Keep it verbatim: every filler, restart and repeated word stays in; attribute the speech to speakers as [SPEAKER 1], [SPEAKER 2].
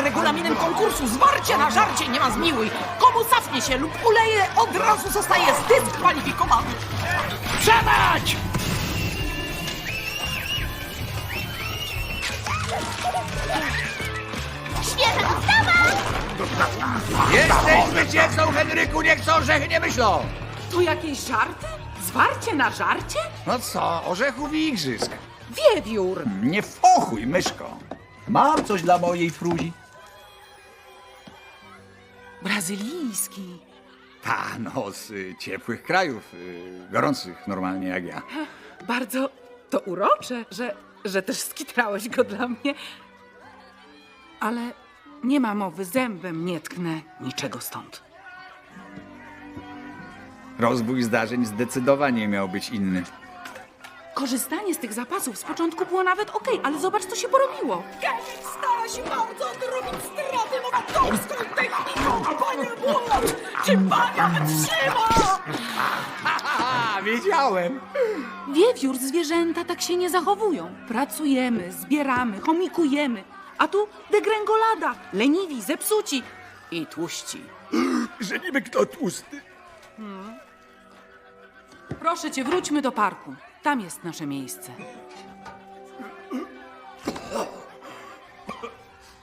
[SPEAKER 1] regulaminem konkursu. Zwarcie na żarcie nie ma zmiłuj. Komu cofnie się lub uleje, od razu zostaje zdyskwalifikowany.
[SPEAKER 2] Przewać!
[SPEAKER 3] Świeża dostawa!
[SPEAKER 2] Jesteś zwycięzcą, Henryku, niech co orzechy nie myślą!
[SPEAKER 1] To jakieś żarty? Zwarcie na żarcie?
[SPEAKER 2] No co, orzechów i igrzysk.
[SPEAKER 1] Wiewiór!
[SPEAKER 2] Nie fochuj, myszko. Mam coś dla mojej fruzi.
[SPEAKER 1] Brazylijski.
[SPEAKER 2] Ta, no, z y, ciepłych krajów, y, gorących normalnie jak ja.
[SPEAKER 1] Bardzo to urocze, że, że też skitrałeś go dla mnie. Ale nie ma mowy, zębem nie tknę niczego stąd.
[SPEAKER 2] Rozwój zdarzeń zdecydowanie miał być inny.
[SPEAKER 1] Korzystanie z tych zapasów z początku było nawet okej, ale zobacz, co się porobiło. Kevin stara się bardzo odrobić straty nowatorską techniką. Panie Młot, czy Bania wytrzyma?
[SPEAKER 2] A, wiedziałem!
[SPEAKER 1] Wiewiór, zwierzęta tak się nie zachowują. Pracujemy, zbieramy, chomikujemy. A tu degrengolada, leniwi, zepsuci i tłuści.
[SPEAKER 2] Że niby kto tłusty.
[SPEAKER 1] Proszę cię, wróćmy do parku. Tam jest nasze miejsce.